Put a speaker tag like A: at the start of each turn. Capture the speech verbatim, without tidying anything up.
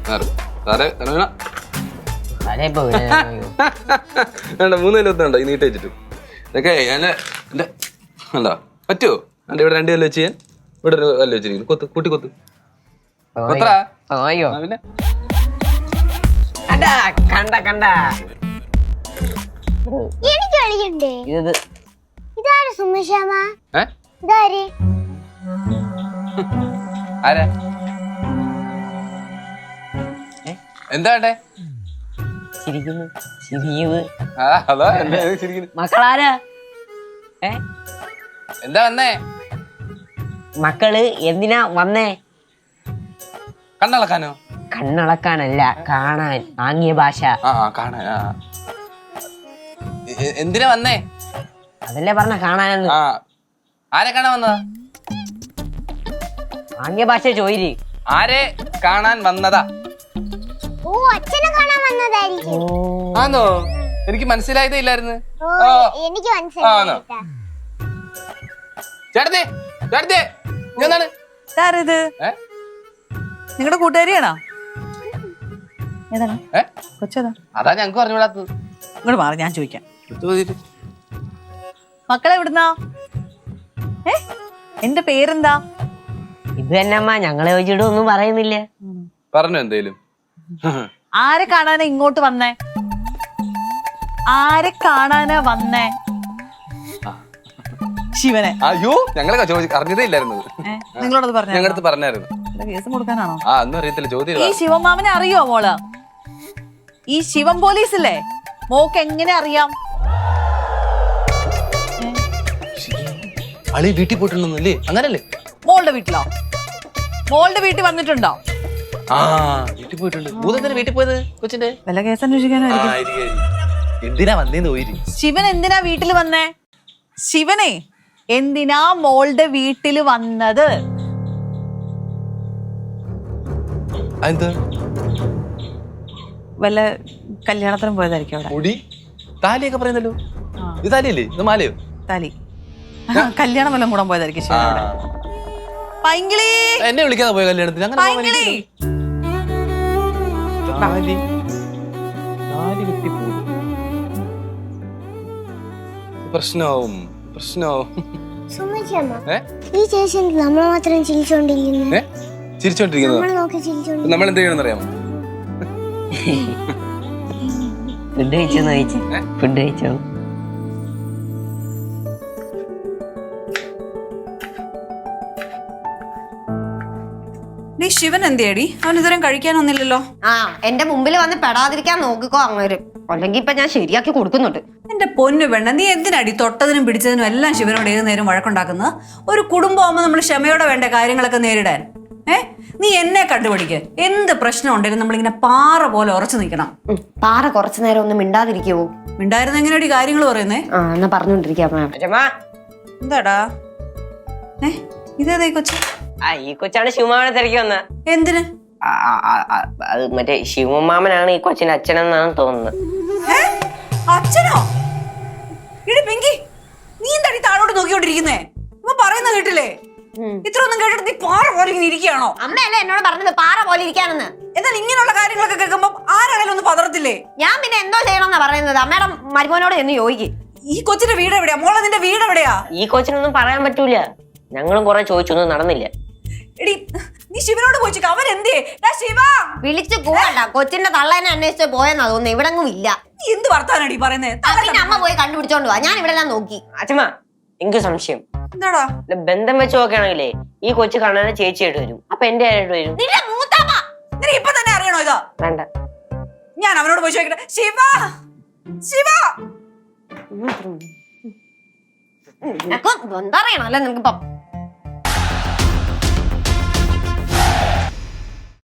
A: മൂന്ന് കല്ലുണ്ടോ ഈ നീട്ട് വെച്ചിട്ട് ഇതൊക്കെ ഞാൻ എന്റെ എന്താ പറ്റുമോ എന്റെ ഇവിടെ രണ്ട് കല്ല് വെച്ച് ഞാൻ ഇവിടെ ഒരു കല്ല് വെച്ചിരിക്കുന്നു കൊത്ത് കൂട്ടി കൊത്ത് കൊത്തറാ പിന്നെ
B: കണ്ട കണ്ട
C: എനിക്ക് കളിക്കണ്ടേ ഇതാര് സുമേഷാമ ഇതാര്
A: ആരാ എന്താ വേണ്ടേ
B: മക്കളാരാ
A: എന്താ വന്നേ
B: മക്കള് എന്തിനാ വന്നേ
A: കണ്ണളക്കാനോ
B: കണ്ണളക്കാനല്ല കാണാൻ ആംഗ്യ ഭാഷ
A: ആ കാണാൻ എന്തിനാ വന്നേ
B: അതല്ലേ പറഞ്ഞ കാണാനെന്ന്
A: ആ ആരെ കാണാൻ വന്നതാ
B: ആംഗ്യ ഭാഷ ചോയില്
A: ആരെ കാണാൻ വന്നതാ
C: ഓ അച്ഛനെ കാണാൻ വന്നതായിരിക്കും
A: ആണോ എനിക്ക് മനസ്സിലായതേ ഇല്ലായിരുന്നു
C: എനിക്ക് മനസ്സിലായി
A: ചേട്ടത്തെ ചേട്ടത്തെ എന്താണ്
D: ഇതാരത് നിങ്ങളുടെ കൂട്ടുകാരിയാണോ ഏതാണ് കൊച്ചേതാ
A: അതാ ഞങ്ങക്ക് പറഞ്ഞുകൂടാത്തത്
D: ഇങ്ങോട്ട് മാറി ഞാൻ ചോദിക്കാം മക്കളെ എവിടുന്നാ ഏ എന്റെ പേരെന്താ
B: ഇത് തന്നെ അമ്മ ഞങ്ങളെ ചോദിച്ചിട്ട് ഒന്നും പറയുന്നില്ല
A: പറഞ്ഞു എന്തേലും
D: ആരെ കാണാനാ ഇങ്ങോട്ട് വന്നേ ആരെ കാണാനാ വന്നേ ശിവനെ
A: അയ്യോ ഞങ്ങളെ അറിഞ്ഞതേ ഇല്ലായിരുന്നു
D: നിങ്ങളോടത് പറഞ്ഞു
A: ഞങ്ങളടുത്ത് പറഞ്ഞായിരുന്നു
D: കേസ് കൊടുക്കാനാണോ
A: ആ ഒന്നും അറിയത്തില്ല ചോദ്യം
D: ഈ ശിവമാമനെ അറിയോ മോള് ഈ ശിവം പോലീസില്ലേ മോക്ക് എങ്ങനെ അറിയാം
A: അളി വീട്ടിൽ പോയിട്ടുണ്ടല്ലേ അങ്ങനല്ലേ
D: മോളുടെ വീട്ടിലോ മോളുടെ വീട്ടിൽ വന്നിട്ടുണ്ടോ
A: ആ വീട്ടിൽ പോയിട്ടുണ്ട് ഭൂതത്തിന് വീട്ടിൽ പോയത് കൊച്ചിന്റെ
D: വല്ല കേസ് അന്വേഷിക്കാനായിരിക്കും
A: എന്തിനാ വന്നേന്ന് പോയി
D: ശിവൻ എന്തിനാ വീട്ടിൽ വന്നേ ശിവനെ എന്തിനാ മോളുടെ വീട്ടിൽ വന്നത് വല്ല കല്യാണത്തിനും പോയതായിരിക്കും അവിടെ
A: മുടി താലിയൊക്കെ പറയുന്നല്ലോ ഇത് താലിയല്ലേ ഇത് മാലയോ
D: താലി കല്യാണം വല്ലതും കൂടാൻ പോയതായിരിക്കും ശിവനോട് പൈങ്കിളി
A: എന്നെ വിളിക്കാതെ പോയ കല്യാണത്തിന് അങ്ങനെ
D: പൈങ്കിളി
A: പ്രശ്നമാവും പ്രശ്നമാവും
C: ഈ ചേച്ചി നമ്മൾ മാത്രം ചിരിച്ചോണ്ടിരിക്കുന്നു
A: ചിരിച്ചോണ്ടിരിക്കുന്നത് നമ്മൾ എന്ത് ചെയ്യണമെന്ന് അറിയാമോ
B: ഫുഡ് കഴിച്ചോന്ന് ചോദിച്ചു ഫുഡ് കഴിച്ചോ
E: നീ ശിവൻ എന്തിയടി അവൻ ഇതുവരെ കഴിക്കാനൊന്നില്ലല്ലോ
F: ആ എന്റെ മുമ്പിൽ വന്ന് പെടാതിരിക്കാൻ നോക്കിക്കോ അങ്ങനെ അല്ലെങ്കിൽ ഇപ്പൊ ഞാൻ ശരിയാക്കി കൊടുക്കുന്നുണ്ട്
E: എന്റെ പൊന്നു പെണ്ണ നീ എന്തിനടി തൊട്ടതിനും പിടിച്ചതിനും എല്ലാം ശിവനോട് ഏത് നേരം വഴക്കുണ്ടാക്കുന്നത് ഒരു കുടുംബമാകുമ്പോൾ നമ്മൾ ക്ഷമയോടെ വേണ്ട കാര്യങ്ങളൊക്കെ നേരിടാൻ ഏ നീ എന്നെ കണ്ടുപിടിക്ക് എന്ത് പ്രശ്നം ഉണ്ടെങ്കിലും നമ്മളിങ്ങനെ പാറ പോലെ ഉറച്ചു നിൽക്കണം
F: പാറ കുറച്ചു നേരം ഒന്ന് മിണ്ടാതിരിക്കുവോ
E: മിണ്ടായിരുന്ന എങ്ങനെയാടി കാര്യങ്ങൾ പറയുന്നേ
F: ആ എന്നാ പറഞ്ഞോണ്ടിരിക്കാം
E: എന്താടാ ഏ ഇതേതാ കൊച്ചു
B: ആ ഈ കൊച്ചാണ് ശിവമാമനെ തിരക്കി വന്ന
E: എന്തിന്
B: അത് മറ്റേ ശിവമാമനാണ് ഈ കൊച്ചിന്റെ അച്ഛനെന്നാണ് തോന്നുന്നത്
E: അച്ഛനോ ഇടി പിങ്കി നീ എന്താടി താഴോട്ട് നോക്കിക്കൊണ്ടിരിക്കുന്നേ ഇപ്പൊ പറയുന്ന കേട്ടില്ലേ ഇത്ര ഒന്നും കേട്ടിട്ട് നീ പാറ പോലെ ഇങ്ങനെ ഇരിക്കുകയാണോ
F: അമ്മയല്ലേ എന്നോട് പറഞ്ഞത് പാറ പോലെ ഇരിക്കാനെന്ന്
E: എന്നാൽ ഇങ്ങനെയുള്ള കാര്യങ്ങളൊക്കെ കേൾക്കുമ്പോ ആരാണേലും ഒന്ന് പതറത്തില്ലേ
F: ഞാൻ പിന്നെ എന്തോ ചെയ്യണമെന്നാ പറയുന്നത് അമ്മയുടെ മരുമോനോട് എന്ന് ചോദിക്കും
E: ഈ കൊച്ചിന്റെ വീട് എവിടെയാ മോളെ നിന്റെ വീട് എവിടെയാ
B: ഈ കൊച്ചിനൊന്നും പറയാൻ പറ്റൂല ഞങ്ങളും കുറെ ചോദിച്ചൊന്നും നടന്നില്ല
E: എടി നീ ശിവനോട് ചോദിച്ചു അവൻ എന്തേ ശിവ
F: വിളിച്ചു പോകണ്ട കൊച്ചിന്റെ തള്ളേനെ അന്വേഷിച്ച് പോയെന്നാ തോന്നുന്നു ഇവിടെ ഇല്ല
E: നീ എന്ത് വർത്താനടി പറയുന്നേ
F: പിന്നെ അമ്മ പോയി കണ്ടുപിടിച്ചോണ്ട് പോവാ ഞാൻ ഇവിടെ എല്ലാം നോക്കി
B: അച്ഛമ്മ എനിക്ക് സംശയം
E: എന്താടാ
B: ബന്ധം വെച്ച് നോക്കുകയാണെങ്കിലേ ഈ കൊച്ചു കാണാൻ ചേച്ചിയായിട്ട് വരും അപ്പൊ എന്റെ ആയിട്ട് വരും
F: നിന്റെ മൂത്താമ്മ
E: നിനക്ക് ഇപ്പൊ തന്നെ അറിയണോ ഇതാ
B: വേണ്ട
E: ഞാൻ അവനോട് പോയി ചോദിക്കട്ടെ ശിവ ശിവ
F: എന്താ അറിയണോ അല്ലെ നിനക്കിപ്പം